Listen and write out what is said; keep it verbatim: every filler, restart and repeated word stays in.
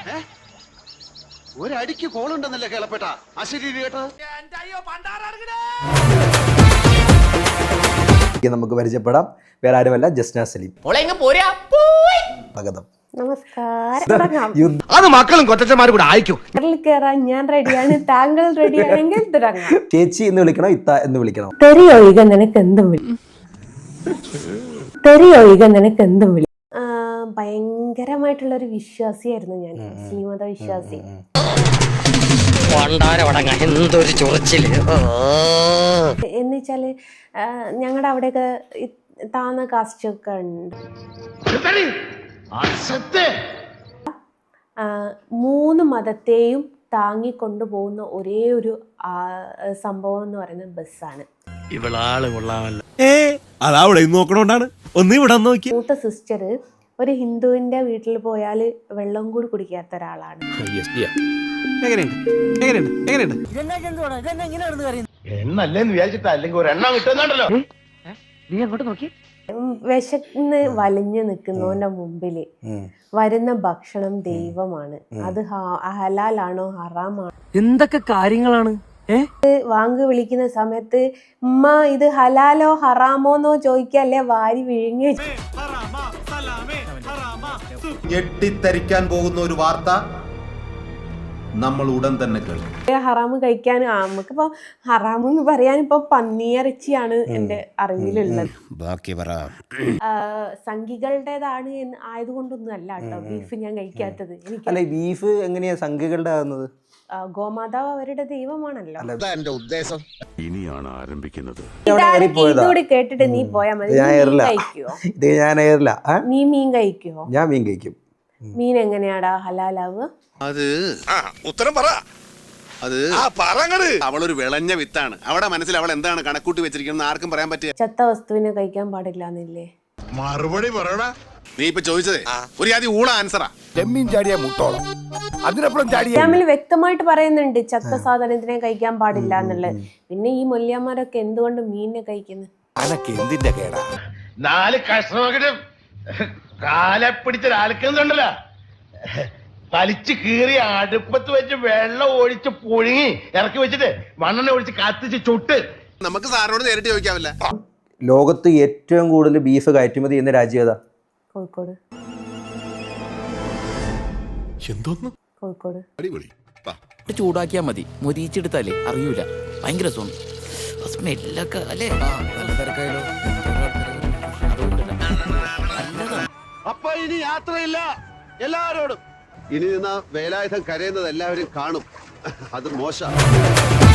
ഒരടിക്ക് കോളുണ്ടെന്നല്ലേ കേളപ്പെട്ട അശരീരി കേട്ടോ. നമുക്ക് പരിചയപ്പെടാം. വേറെ ആരുമല്ല, ജസ്ന സലീം. സ്വാഗതം. നമസ്കാരം. അത് മക്കളും കൊച്ചന്മാരും കൂടെ അയക്കും. കയറാൻ ഞാൻ റെഡിയാണ്, താങ്കൾ റെഡിയാണെങ്കിൽ തുടങ്ങാം. ചേച്ചി എന്ന് വിളിക്കണോ ഇത്ത എന്ന് വിളിക്കണോ? തെറിയൊഴിക നിനക്ക് എന്തും വിളി, തെറിയൊഴിക നിനക്ക് എന്തും വിളി. ഭയങ്കരമായിട്ടുള്ള ഒരു വിശ്വാസിയായിരുന്നു ഞാൻ, മുസ്ലിം മത വിശ്വാസി. എന്നുവെച്ചാല് ഞങ്ങളുടെ അവിടെയൊക്കെ താന്ന കാസ്റ്റ് ഒക്കെ ഉണ്ട്. മൂന്ന് മതത്തെയും താങ്ങിക്കൊണ്ടു പോകുന്ന ഒരേ ഒരു സംഭവം എന്ന് പറയുന്നത് ബസ്സാണ്. മൂത്ത സിസ്റ്റർ ഒരു ഹിന്ദുവിന്റെ വീട്ടിൽ പോയാൽ വെള്ളം കൂടി കുടിക്കാത്ത ഒരാളാണ്. വിശന്ന് വലിഞ്ഞു നിൽക്കുന്നവന്റെ മുമ്പില് വരുന്ന ഭക്ഷണം ദൈവമാണ്. അത് ഹലാലാണോ ഹറാമാണോ എന്തൊക്കെ കാര്യങ്ങളാണ്. വാങ്ങി വിളിക്കുന്ന സമയത്ത് ഉമ്മ ഇത് ഹലാലോ ഹറാമോന്നോ ചോദിക്കല്ലേ വാരി വിഴുങ്ങി. ഞെട്ടിത്തരിക്കാൻ പോകുന്ന ഒരു വാർത്ത നമ്മൾ ഉടൻ തന്നെ കേൾക്കും. ഹറാമ് കഴിക്കാൻ നമുക്കിപ്പോ ഹറാം എന്ന് പറയാൻ ഇപ്പൊ പന്നിയിറച്ചിയാണ് എന്റെ അറിവിലുള്ളത്. സംഘികളുടേതാണ് എന്ന് ആയതുകൊണ്ടൊന്നും അല്ല കേട്ടോ ബീഫ് ഞാൻ കഴിക്കാത്തത്. എനിക്ക് ബീഫ് എങ്ങനെയാ സംഘികളുടെ ആകുന്നത്? ഗോമാതാവ് അവരുടെ ദൈവമാണല്ലോ. ഉദ്ദേശം ഇനിയാണ് ആരംഭിക്കുന്നത്. ഇതോടെ കേട്ടിട്ട് നീ പോയാ മതി. കഴിക്കുവോ? നീ മീൻ കഴിക്കുവോ? ഞാൻ മീൻ കഴിക്കും. മീൻ എങ്ങനെയാടാ ഹലാലാവുക? അത് ഉത്തരം പറ. അത് അവളൊരു വിളഞ്ഞ വിത്താണ്. അവളുടെ മനസ്സിൽ അവൾ എന്താണ് കണക്കൂട്ടി വെച്ചിരിക്കുന്നത് ആർക്കും പറയാൻ പറ്റിയ. ചത്ത വസ്തുവിനെ കഴിക്കാൻ പാടില്ല എന്നില്ലേ? മറുപടി പറയണ. നീ ഇപ്പൊ ചോദിച്ചത് ഒരു ആദ്യം ഊള ആൻസറാ. ഇസ്ലാമിൽ വ്യക്തമായിട്ട് പറയുന്നുണ്ട് ചത്ത സാധനത്തിനെ കഴിക്കാൻ പാടില്ല എന്നുള്ളത്. പിന്നെ ഈ മൊല്യന്മാരൊക്കെ എന്തുകൊണ്ട് മീനിനെ കഴിക്കുന്നു? നാല് കഷ്ണം കാലെ പിടിച്ചൊരാൾക്കുന്നുണ്ടല്ലോ, വലിച്ചു കീറി അടുപ്പത്ത് വെച്ച് വെള്ളം ഒഴിച്ച് പുഴുങ്ങി ഇറക്കി വെച്ചിട്ട് മണ്ണെണ്ണ ഒഴിച്ച് കത്തിച്ച് ചുട്ട്. നമുക്ക് സാറിനോട് നേരിട്ട് ചോദിക്കാവില്ല. ലോകത്ത് ഏറ്റവും കൂടുതൽ ബീഫ് കയറ്റുമതി ചെയ്യുന്ന രാജ്യം ഏതാ? കോഴിക്കോട്. എന്തോന്ന്? കോഴിക്കോട്. അടിപൊളി. ചൂടാക്കിയാ മതി, മുരിച്ചെടുത്താലേ അറിയൂല. ഭയങ്കര സ്മെല്ലൊക്കെ അല്ലേ. അപ്പൊ ഇനി യാത്രയില്ല എല്ലാരോടും. ഇനി നിന്ന വേലായുധം കരയുന്നത് എല്ലാവരും കാണും. അത് മോശം.